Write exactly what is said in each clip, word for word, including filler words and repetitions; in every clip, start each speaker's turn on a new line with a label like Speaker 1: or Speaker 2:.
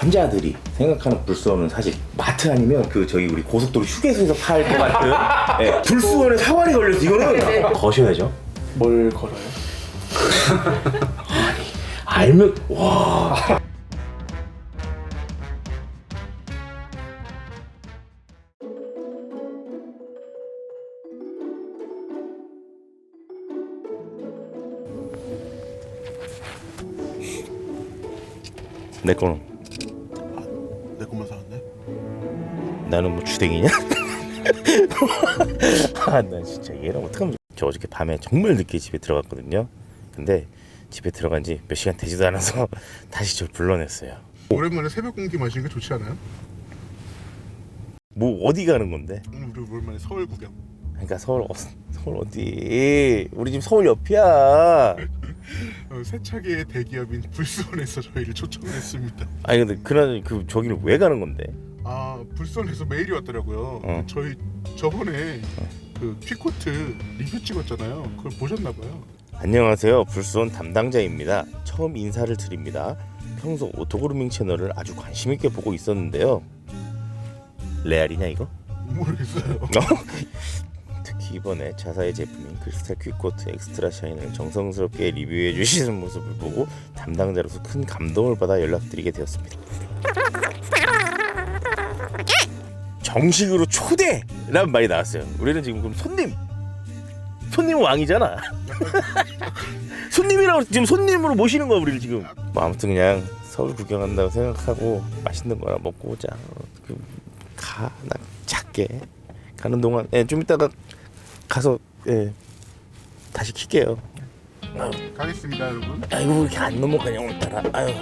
Speaker 1: 환자들이 생각하는 불수원은 사실 마트 아니면 그 저희 우리 고속도로 휴게소에서 팔 것 같은 네, 불수원에 사활이 걸려서 이거는 거셔야죠.
Speaker 2: 뭘 걸어요?
Speaker 1: 아니 알면 와. 내 거는
Speaker 3: 내 것만 사왔네?
Speaker 1: 나는 뭐 주댕이냐? 아, 나 진짜 얘랑 어떡하면. 저 어저께 밤에 정말 늦게 집에 들어갔거든요. 근데 집에 들어간 지 몇 시간 되지도 않아서 다시 저를 불러냈어요.
Speaker 3: 오랜만에 새벽 공기 마시는 게 좋지 않아요?
Speaker 1: 뭐 어디 가는 건데?
Speaker 3: 음, 우리 오랜만에 서울 구경.
Speaker 1: 그러니까 서울 어, 서울 어디? 우리 집 서울 옆이야.
Speaker 3: 어, 세차계의 대기업인 불수원에서 저희를 초청했습니다.
Speaker 1: 아니 근데 그날 그 저기를 왜 가는 건데?
Speaker 3: 아, 불수원에서 메일이 왔더라고요.
Speaker 1: 어.
Speaker 3: 저희 저번에 그 퀵코트 리뷰 찍었잖아요. 그걸 보셨나봐요.
Speaker 1: 안녕하세요. 불수원 담당자입니다. 처음 인사를 드립니다. 평소 오토그루밍 채널을 아주 관심 있게 보고 있었는데요. 레알이냐 이거?
Speaker 3: 모르겠어요.
Speaker 1: 특히 이번에 자사의 제품인 크리스탈 퀵코트 엑스트라 샤인을 정성스럽게 리뷰해 주시는 모습을 보고 담당자로서 큰 감동을 받아 연락드리게 되었습니다. 정식으로 초대라는 말이 나왔어요. 우리는 지금 그럼 손님 손님 왕이잖아. 손님이라고 지금 손님으로 모시는 거야 우리를 지금. 뭐 아무튼 그냥 서울 구경한다고 생각하고 맛있는 거나 먹고 오자. 그, 가, 나 작게 가는 동안 예, 좀 이따가 가서 예, 다시 킬게요. 아유,
Speaker 3: 가겠습니다, 여러분.
Speaker 1: 아이고 왜 이렇게 안 넘어가냐 오늘따라. 아유.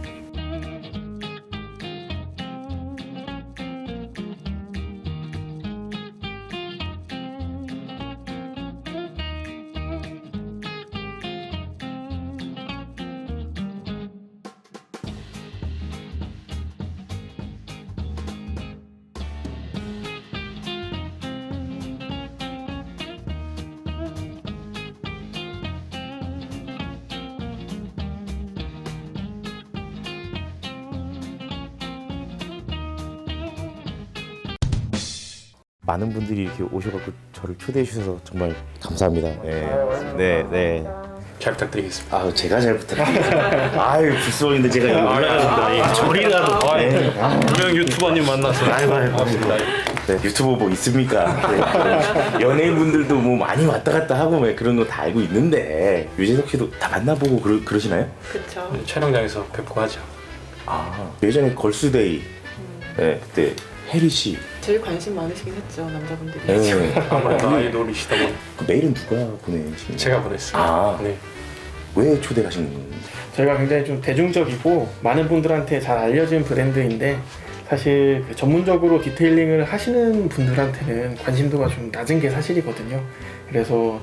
Speaker 1: 많은 분들이 이렇게 오셔갖고 저를 초대해 주셔서 정말 감사합니다. 네, 네, 네.
Speaker 2: 잘 부탁드리겠습니다.
Speaker 1: 아, 제가 잘 부탁드립니다. 아유, 불수원인데 제가 여기 올라가는다. 저리라도. 네.
Speaker 2: 유명 유튜버님 만나서
Speaker 1: 아이고, 아이고. 네, 유튜브 뭐 있습니까? 네. 연예인분들도 뭐 많이 왔다 갔다 하고 뭐 그런 거 다 알고 있는데 유재석 씨도 다 만나보고 그러, 그러시나요?
Speaker 4: 그쵸.
Speaker 2: 네, 촬영장에서 뵙고 하죠.
Speaker 1: 아, 예전에 걸스데이 네, 그때 혜리 씨
Speaker 4: 제일 관심 많으시긴 했죠, 남자분들이.
Speaker 1: 네.
Speaker 2: 아무래도 아이돌이시다 보니
Speaker 1: 그 메일은 누가 보내신
Speaker 2: 제가 보냈습니다.
Speaker 1: 아.
Speaker 2: 네.
Speaker 1: 왜 초대하신 건가요?
Speaker 5: 저희가 굉장히 좀 대중적이고 많은 분들한테 잘 알려진 브랜드인데 사실 그 전문적으로 디테일링을 하시는 분들한테는 관심도가 좀 낮은 게 사실이거든요. 그래서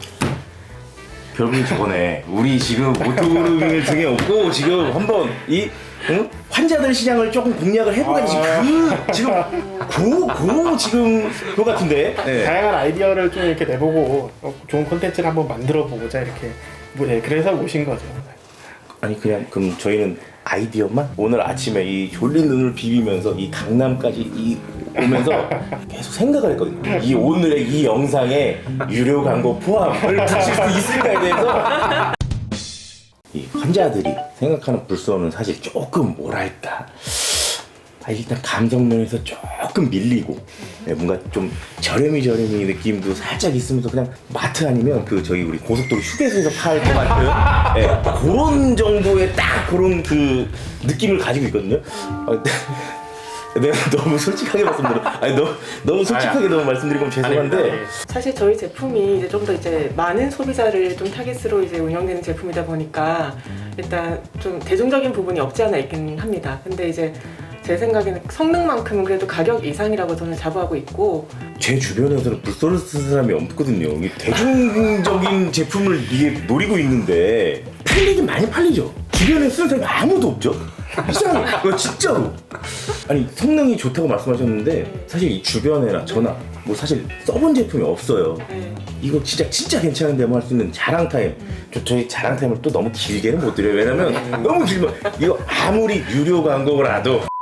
Speaker 1: 결국은 저번에 우리 지금 오토그루밍을 등에 업고 지금 한번 이 응? 환자들 시장을 조금 공략을 해보겠지.
Speaker 5: 아.
Speaker 1: 그 지금 고고 지금 그거 같은데. 네.
Speaker 5: 다양한 아이디어를 좀 이렇게 내보고 어, 좋은 콘텐츠를 한번 만들어 보고자 이렇게 뭐, 네, 그래서 모신 거죠.
Speaker 1: 아니 그냥 그럼 저희는 아이디어만 오늘 아침에 이 졸린 눈을 비비면서 이 강남까지 이 오면서 계속 생각을 했거든요. 이 오늘의 이 영상에 유료 광고 포함을 붙일 수 있을까에 대해서 이 환자들이 생각하는 불수원은 사실 조금 뭐랄까 아, 일단 감성면에서 조금 밀리고 네, 뭔가 좀 저렴이 저렴이 느낌도 살짝 있으면서 그냥 마트 아니면 그 저희 우리 고속도로 휴게소에서 팔 것 같은 네, 그런 정도의 딱 그런 그 느낌을 가지고 있거든요. 아, 내가 너무 솔직하게 말씀드려, 아니 너무 너무 솔직하게 너무 말씀드리면 죄송한데
Speaker 4: 사실 저희 제품이 이제 좀 더 이제 많은 소비자를 좀 타겟으로 이제 운영되는 제품이다 보니까 일단 좀 대중적인 부분이 없지 않아 있긴 합니다. 근데 이제 제 생각에는 성능만큼은 그래도 가격 이상이라고 저는 자부하고 있고
Speaker 1: 제 주변에서는 불소를 쓰는 사람이 없거든요. 이게 대중적인 제품을 이게 노리고 있는데 팔리긴 많이 팔리죠. 주변에 쓰는 사람이 아무도 없죠. 이상해. 진짜로. 아니 성능이 좋다고 말씀하셨는데 사실 이 주변에나 저나 뭐 사실 써본 제품이 없어요.
Speaker 4: 네.
Speaker 1: 이거 진짜 진짜 괜찮은데 뭐 할 수 있는 자랑 타임. 저, 저희 자랑 타임을 또 너무 길게는 못 드려요. 왜냐면 너무 길면 이거 아무리 유료 광고라도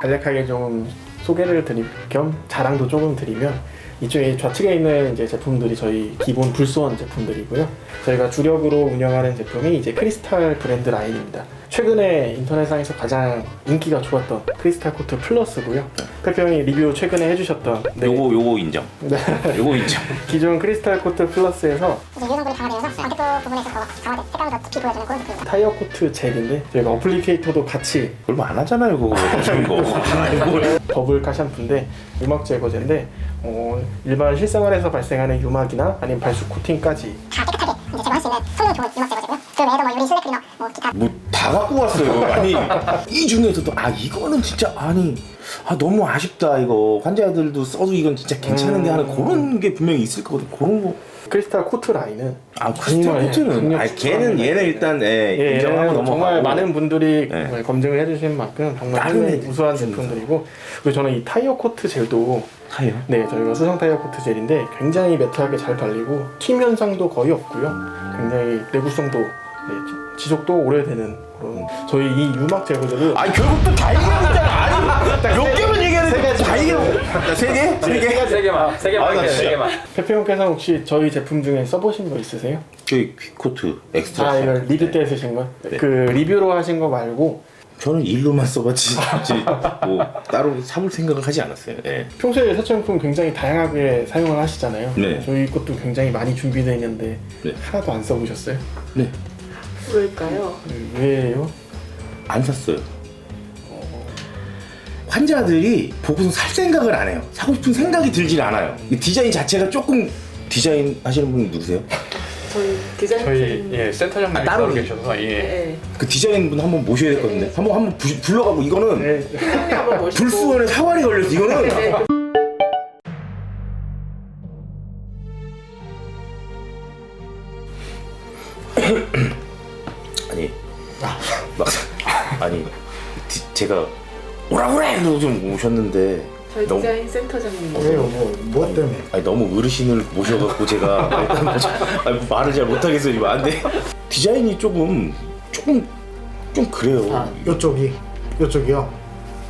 Speaker 5: 간략하게 좀 소개를 드릴 겸 자랑도 조금 드리면 이쪽에 좌측에 있는 이제 제품들이 저희 기본 불소원 제품들이고요. 저희가 주력으로 운영하는 제품이 이제 크리스탈 브랜드 라인입니다. 최근에 인터넷상에서 가장 인기가 좋았던 크리스탈 코트 플러스고요. 페페 형이 리뷰 최근에 해주셨던 네,
Speaker 1: 요거 요거 인정.
Speaker 5: 네.
Speaker 1: 요거 인정.
Speaker 5: 기존 크리스탈 코트 플러스에서
Speaker 6: 이제 유성분이 강화되면서 안테크 부분에서 더 강화된 색감이 더 깊이 보여주는 그런 느낌입니다.
Speaker 5: 타이어 코트 젤인데 저희가 어플리케이터도 같이
Speaker 1: 얼마 안 하잖아요 그거. 무슨 거. 아이, 뭘.
Speaker 5: 버블 카샴푸인데 유막 제거제인데 어, 일반 실생활에서 발생하는 유막이나 아니면 발수 코팅까지
Speaker 6: 다 깨끗하게 이제 제거할 수 있는 성능 좋은 유막 제거제고요. 그 외에도 뭐 유리 실내 클리너, 뭐 기타
Speaker 1: 뭐 다 갖고 왔어요. 아니 이 중에서도 아 이거는 진짜 아니 아 너무 아쉽다 이거 환자들도 써도 이건 진짜 괜찮은데 하는 그런 게 분명히 있을 거거든. 그런 거.
Speaker 5: 크리스탈 코트 라인은
Speaker 1: 아 크리스탈
Speaker 5: 정말
Speaker 1: 코트는
Speaker 5: 강력
Speaker 1: 아 걔는 얘는 일단 예,
Speaker 5: 예,
Speaker 1: 인정하고
Speaker 5: 얘는
Speaker 1: 넘어가고
Speaker 5: 정말 많은 분들이
Speaker 1: 네.
Speaker 5: 정말 검증을 해주신 만큼 정말
Speaker 1: 다른
Speaker 5: 상당히
Speaker 1: 애들
Speaker 5: 우수한
Speaker 1: 진짜.
Speaker 5: 제품들이고 그리고 저는 이 타이어 코트 젤도
Speaker 1: 타요.
Speaker 5: 네 저희가 수성 타이어 코트 젤인데 굉장히 매트하게 잘 발리고 튀 현상도 거의 없고요. 굉장히 내구성도 네, 지- 지속도 오래되는 그런 저희 이 유막 제거제를
Speaker 1: 아니 결국 또 다 얘기하잖아. 아니 몇 개만 얘기하는데 다 얘기하고 세 개? 세 개?
Speaker 2: 세 개만, 세 개만,
Speaker 1: 아, 나
Speaker 2: 할게요, 세
Speaker 1: 진짜.
Speaker 2: 개만.
Speaker 5: 페페 형께서 혹시 저희 제품 중에 써보신 거 있으세요?
Speaker 1: 저희 퀵코트 엑스트라.
Speaker 5: 아 이거 리뷰 때 쓰신 거?
Speaker 1: 네.
Speaker 5: 그 리뷰로 하신 거 말고
Speaker 1: 저는 일로만 써봤지 굳이 뭐 따로 사볼 생각을 하지 않았어요. 예.
Speaker 5: 평소에 세차용품 굉장히 다양하게 사용을 하시잖아요.
Speaker 1: 네.
Speaker 5: 저희 것도 굉장히 많이 준비되어 있는데
Speaker 1: 네.
Speaker 5: 하나도 안 써보셨어요?
Speaker 1: 네.
Speaker 4: 왜일까요?
Speaker 5: 네, 왜요?
Speaker 1: 안 샀어요. 환자들이 보고서 살 생각을 안 해요. 사고 싶은 생각이 들질 않아요. 이 디자인 자체가 조금 디자인 하시는 분 누구세요?
Speaker 4: 저희 디자인
Speaker 2: 저희
Speaker 4: 팀-
Speaker 2: 예 센터장님이
Speaker 1: 아, 따로
Speaker 2: 따로 계셔서 예.
Speaker 4: 네.
Speaker 1: 그 디자인 분 한번 모셔야 될 것 같은데 한번 한번 부- 불러가고 이거는
Speaker 5: 네.
Speaker 4: 팀장님 한번 모시고
Speaker 1: 불수원에 사활이 걸려서 이거는
Speaker 4: 네, 그-
Speaker 1: 아니 막 아니 디- 제가 오라 그래 이러고 좀 오셨는데
Speaker 4: 저희
Speaker 1: 너무
Speaker 4: 디자인 센터장님
Speaker 3: 왜요? 뭐, 뭐 때문에?
Speaker 1: 아니 너무 어르신을 모셔갖고 제가 일단 뭐 자- 아니, 뭐 말을 잘 못하겠어요 지금 안돼 디자인이 조금 조금 좀 그래요.
Speaker 3: 아, 요쪽이, 요쪽이요?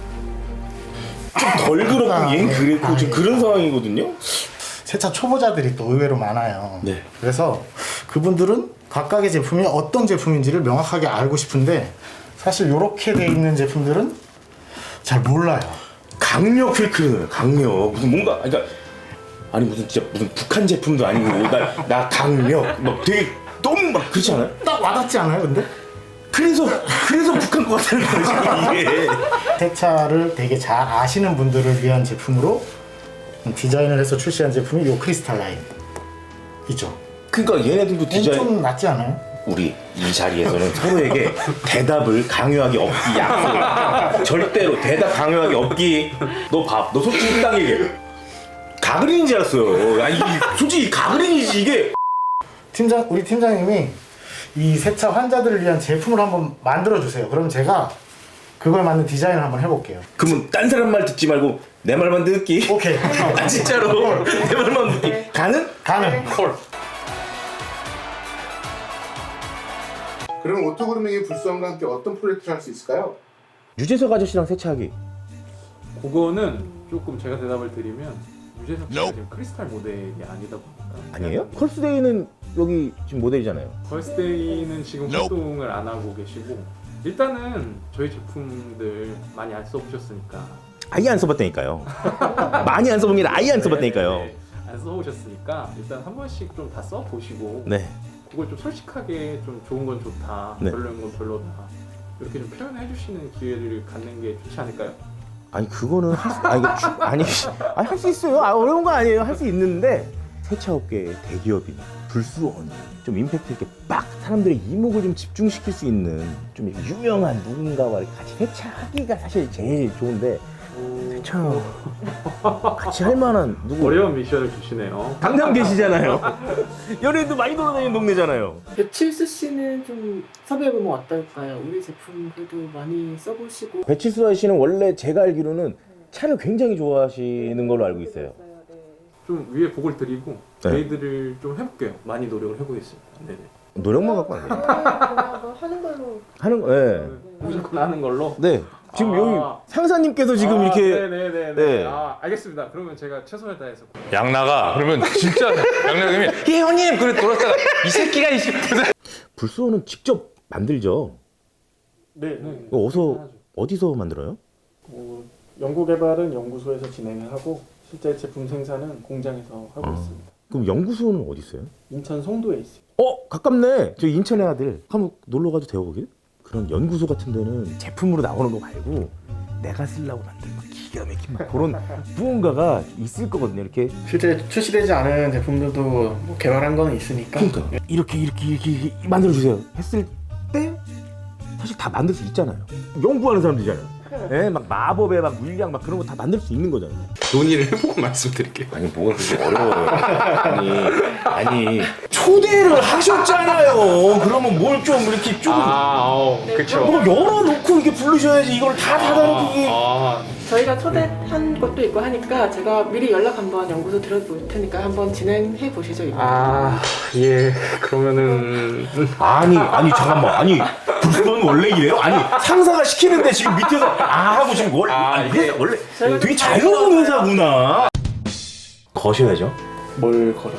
Speaker 1: 덜 그렇고
Speaker 3: 아,
Speaker 1: 얘는
Speaker 3: 네.
Speaker 1: 그랬고
Speaker 3: 아,
Speaker 1: 지금
Speaker 3: 예.
Speaker 1: 그런 상황이거든요.
Speaker 3: 세차 초보자들이 또 의외로 많아요.
Speaker 1: 네.
Speaker 3: 그래서 그분들은 각각의 제품이 어떤 제품인지를 명확하게 알고 싶은데 사실 이렇게 돼 있는 제품들은 잘 몰라요.
Speaker 1: 강력 필크는 강력 무슨 뭔가 그러니까 아니 무슨 진짜 무슨 북한 제품도 아니고 나, 나 강력 막 되게 너무 막 그렇지 않아요?
Speaker 3: 딱 와닿지 않아요, 근데?
Speaker 1: 그래서 그래서 북한 거 같다는 거지 이게.
Speaker 3: 세차를 되게 잘 아시는 분들을 위한 제품으로 디자인을 해서 출시한 제품이 요 크리스탈 라인 있죠.
Speaker 1: 그러니까 얘네들도 디자인
Speaker 3: 좀 낫지 않아요?
Speaker 1: 우리 이 자리에서는 서로에게 대답을 강요하기 없기 약속. 절대로 대답 강요하기 없기. 너 밥, 너 솔직히 딱 얘기해. 가그린인 줄 알았어요. 아니 솔직히 가그린이지 이게.
Speaker 3: 팀장 우리 팀장님이 이 세차 환자들을 위한 제품을 한번 만들어 주세요. 그럼 제가 그걸 맞는 디자인을 한번 해볼게요.
Speaker 1: 그러면 딴 사람 말 듣지 말고 내 말만 듣기.
Speaker 3: 오케이.
Speaker 1: 아 진짜로 내 말만 듣기. 가는?
Speaker 3: 가능.
Speaker 2: 콜.
Speaker 7: 그럼 오토그루밍의 불수함과 함께 어떤 프로젝트를 할 수 있을까요?
Speaker 1: 유재석 아저씨랑 세차하기.
Speaker 8: 그거는 조금 제가 대답을 드리면 유재석 씨가 지금 크리스탈 모델이 아니다 보니까
Speaker 1: 아니에요? 컬스데이는 여기 지금 모델이잖아요.
Speaker 8: 걸스데이는 지금 활동을 안 하고 계시고 일단은 저희 제품들 많이 안 써보셨으니까
Speaker 1: 아예 안 써봤다니까요. 많이 안 써본 게 아니라 아예 안 써봤다니까요.
Speaker 8: 네, 네. 안 써보셨으니까 일단 한 번씩 좀 다 써보시고
Speaker 1: 네.
Speaker 8: 그걸 좀 솔직하게 좀 좋은 건 좋다
Speaker 1: 네.
Speaker 8: 별로인 건 별로다 이렇게 좀 표현해 주시는 기회를 갖는 게 좋지 않을까요?
Speaker 1: 아니 그거는 할 수, 아 이거 주, 아니 아니 할 수 있어요. 아 어려운 거 아니에요. 할 수 있는데 세차업계의 대기업이나 불수원이 좀 임팩트 있게 빡 사람들의 이목을 좀 집중시킬 수 있는 좀 이렇게 유명한 누군가와 이렇게 같이 세차하기가 사실 제일 좋은데 세차 같이 할 만한 누구
Speaker 8: 어려운 미션을 주시네요.
Speaker 1: 당장 계시잖아요. 연예인도 많이 돌아다니는 동네잖아요.
Speaker 4: 배칠수 씨는 좀 섭외해보면 어떨까요? 우리 제품 그래도 많이 써보시고
Speaker 1: 배칠수 씨는 원래 제가 알기로는 차를 굉장히 좋아하시는 걸로 알고 있어요.
Speaker 8: 좀 위에 복을 드리고
Speaker 1: 네.
Speaker 8: 저희들을 좀 해볼게요. 많이 노력을 해보겠습니다. 네네.
Speaker 1: 노력만 갖고 안 돼요.
Speaker 4: 뭐 하는 걸로.
Speaker 1: 하는 거, 예.
Speaker 8: 무조건 하는 걸로.
Speaker 1: 네. 지금
Speaker 8: 아.
Speaker 1: 여기 상사님께서 지금
Speaker 8: 아,
Speaker 1: 이렇게
Speaker 8: 네네네.
Speaker 1: 네.
Speaker 8: 아 알겠습니다. 그러면 제가 최선을 다해서.
Speaker 2: 양나가 그러면 진짜 양나님이 예 형님 그래 돌았다가 이 새끼가 이 새끼.
Speaker 1: 불소는 직접 만들죠.
Speaker 5: 네.
Speaker 1: 이거 어디서 어디서 만들어요?
Speaker 5: 어, 연구 개발은 연구소에서 진행을 하고 실제 제품 생산은 공장에서 하고
Speaker 1: 아.
Speaker 5: 있습니다.
Speaker 1: 그럼 연구소는 어디 있어요?
Speaker 5: 인천 송도에 있습니다.
Speaker 1: 어 가깝네. 저 인천의 아들. 한번 놀러 가도 돼요 거기? 그런 연구소 같은 데는 제품으로 나오는 거 말고 내가 쓰려고 만든 막 기가 막힌 막 그런 무언가가 있을 거거든요. 이렇게.
Speaker 5: 실제 출시되지 않은 제품들도 뭐 개발한 거는 있으니까.
Speaker 1: 그러니까 이렇게 이렇게 이렇게, 이렇게 만들어 주세요. 했을 때 사실 다 만들 수 있잖아요. 연구하는 사람들이잖아요. 예, 막 마법의 막 물량 막 그런 거 다 만들 수 있는 거잖아요.
Speaker 2: 논의를 해보고 말씀드릴게요.
Speaker 1: 아니 뭐가 그렇게 어려워요. 아니 아니 초대를 하셨잖아요. 그러면 뭘 좀 이렇게 좀
Speaker 2: 아, 어, 그쵸.
Speaker 1: 뭐 열어놓고 이렇게 부르셔야지 이걸 다 닫아놓고 이게
Speaker 2: 아,
Speaker 4: 저희가 초대한 것도 있고 하니까 제가 미리 연락 한번 연구소 드려볼 테니까 한번 진행해 보시죠. 이거.
Speaker 2: 아, 예. 그러면은
Speaker 1: 아니 아니 잠깐만 아니 불소는 원래 이래요? 아니 상사가 시키는데 지금 밑에서 아 하고 지금 원래
Speaker 2: 아,
Speaker 1: 아니,
Speaker 2: 이게-
Speaker 1: 회사 원래
Speaker 4: 저희가
Speaker 1: 되게
Speaker 4: 좀
Speaker 1: 자유로운 회사구나. 거셔야죠.
Speaker 5: 뭘 걸어요?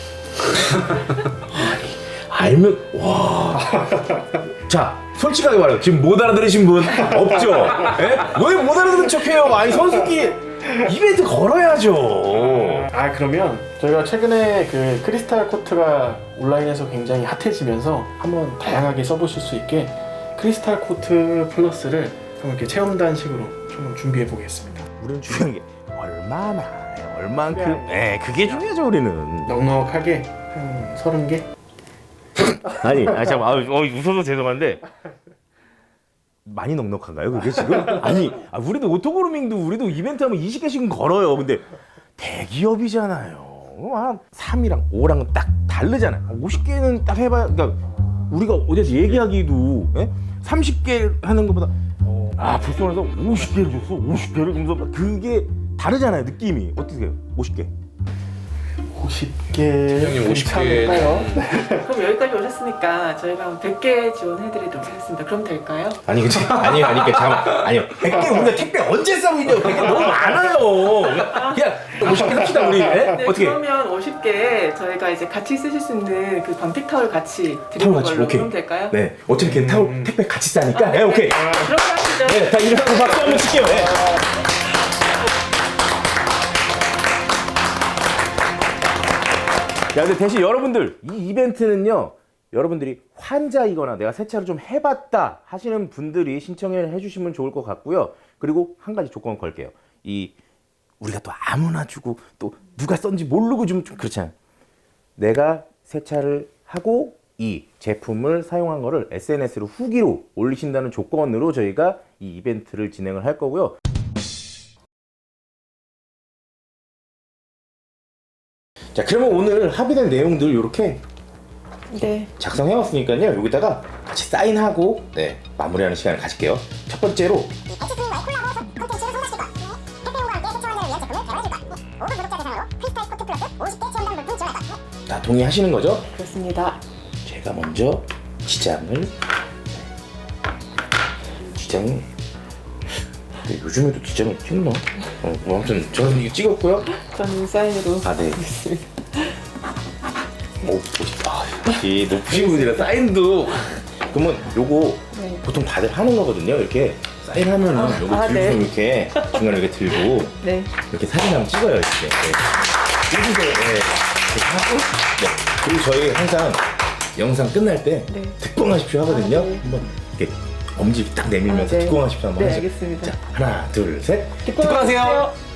Speaker 1: 알면 와. 자 솔직하게 말해요. 지금 못 알아들으신 분 없죠? 왜 못 알아들은 척해요? 아니 선수끼리 이벤트 걸어야죠.
Speaker 5: 아 그러면 저희가 최근에 그 크리스탈 코트가 온라인에서 굉장히 핫해지면서 한번 다양하게 써보실 수 있게 크리스탈 코트 플러스를 한번 이렇게 체험단식으로 좀 준비해 보겠습니다.
Speaker 1: 우리는 중요한 게 얼마나 얼만큼 예 그게 중요하죠 우리는.
Speaker 5: 넉넉하게 한 서른 개?
Speaker 1: 아니 아 잠깐 아, 어, 웃어서 죄송한데 많이 넉넉한가요 그게 지금? 아니 아, 우리도 오토그루밍도 우리도 이벤트 하면 이십 개씩은 걸어요. 근데 대기업이잖아요. 한 삼이랑 오랑 딱 다르잖아요. 오십 개는 딱 해봐야 그러니까 우리가 어디서 얘기하기도 예? 삼십 개 하는 것보다 아 불소에서 오십 개를 줬어 오십 개를 그러면서 그게 다르잖아요 느낌이. 어떻게 해요 오십 개?
Speaker 5: 오십 개
Speaker 2: 형님 오십 개.
Speaker 5: 괜찮을까요?
Speaker 4: 그럼 여기까지 오셨으니까 저희가 한 백 개 지원해드리도록 하겠습니다. 그럼 될까요?
Speaker 1: 아니 그치 아니 아니 그 잠깐 아니요 백 개 우리가 택배 언제 싸고 있냐고. 백 개 너무 많아요. 그냥 오십 개 합시다 우리. 예?
Speaker 4: 네,
Speaker 1: 어떻게?
Speaker 4: 그러면 오십 개 저희가 이제 같이 쓰실 수 있는 그 방택 타월 같이 드리는
Speaker 1: 타월 같이,
Speaker 4: 걸로
Speaker 1: 오케이.
Speaker 4: 그럼 될까요?
Speaker 1: 네 어차피 걔 타올
Speaker 5: 음.
Speaker 1: 택배 같이 싸니까. 네 오케이.
Speaker 4: 그렇게 하시죠.
Speaker 1: 네, 다 일어나고 박수 한번 칠게요. 네. 야, 근데 대신 여러분들 이 이벤트는요. 여러분들이 환자이거나 내가 세차를 좀 해봤다 하시는 분들이 신청을 해주시면 좋을 것 같고요. 그리고 한 가지 조건 걸게요. 이 우리가 또 아무나 주고 또 누가 썼는지 모르고 좀, 좀 그렇잖아요. 내가 세차를 하고 이 제품을 사용한 거를 에스엔에스로 후기로 올리신다는 조건으로 저희가 이 이벤트를 진행을 할 거고요. 자, 그러면 오늘 합의된 내용들 이렇게
Speaker 4: 네.
Speaker 1: 작성해왔으니까요. 여기다가 같이 사인하고 네, 마무리하는 시간을 가질게요. 첫 번째로
Speaker 6: 엑스티와의 콜라보 콘텐츠를 성사시킬 것. 택배용과 함께 세차원자를 위한 제품을 개발해줄 것. 오 분 구독자 대상으로 크리스탈 코트 플러스 오십 개 체험단 물품 지원할 것.
Speaker 1: 다 동의하시는 거죠?
Speaker 4: 그렇습니다.
Speaker 1: 제가 먼저 지장을 지장 근데 요즘에도 지장을 찍나? 어, 뭐 아무튼 저는 이거 찍었고요.
Speaker 4: 저는 사인으로
Speaker 1: 아 네.
Speaker 4: 하겠습니다.
Speaker 1: 오, 멋있다. 아, 역시 높으신 분이라 사인도. 그러면 요거
Speaker 4: 네.
Speaker 1: 보통 다들 하는 거거든요. 이렇게 사인하면은 요거
Speaker 4: 아,
Speaker 1: 들고
Speaker 4: 네.
Speaker 1: 이렇게 중간에 이렇게 들고
Speaker 4: 네.
Speaker 1: 이렇게 사진 한번 찍어요. 이렇게. 네. 여기서 네. 이렇게 하고 네. 그리고 저희 항상 영상 끝날 때
Speaker 4: 네.
Speaker 1: 특공하십시오 하거든요.
Speaker 4: 아, 네.
Speaker 1: 한번 이렇게 엄지 딱 내밀면서
Speaker 4: 아, 네.
Speaker 1: 특공하십시오 한번
Speaker 4: 네,
Speaker 1: 하시죠.
Speaker 4: 알겠습니다.
Speaker 1: 자, 하나, 둘, 셋.
Speaker 4: 특공하세요.